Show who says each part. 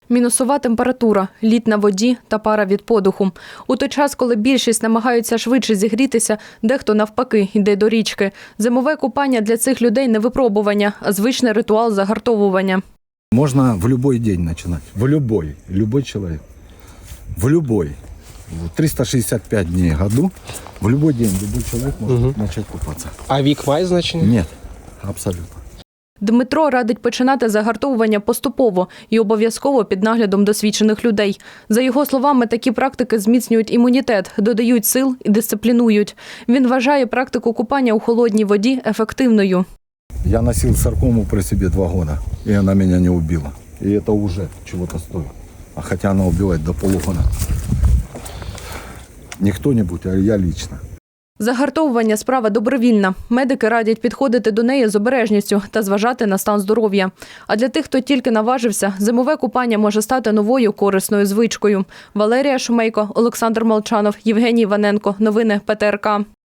Speaker 1: Мінусова температура, лід на воді та пара від подуху. У той час, коли більшість намагаються швидше зігрітися, дехто навпаки йде до річки. Зимове купання для цих людей не випробування, а звичний ритуал загартовування.
Speaker 2: Можно в любой день начинать. В любой человек. В любой. 365 дней в году. В любой день любой человек может начать купаться.
Speaker 3: А вік має значення?
Speaker 2: Нет, абсолютно.
Speaker 1: Дмитро радить починати загартовування поступово і обов'язково під наглядом досвідчених людей. За його словами, такі практики зміцнюють імунітет, додають сил і дисциплінують. Він вважає практику купання у холодній воді ефективною.
Speaker 2: Я носил саркому при себе 2 года, и она меня не убила. И это уже чего-то стоит. А хотя она убивает до полугода. Не кто-нибудь, а я лично.
Speaker 1: Загартовування – справа добровільна. Медики радять підходити до неї з обережністю та зважати на стан здоров'я. А для тих, хто тільки наважився, зимове купання може стати новою корисною звичкою. Валерія Шумейко, Олександр Молчанов, Євгеній Іваненко. Новини ПТРК.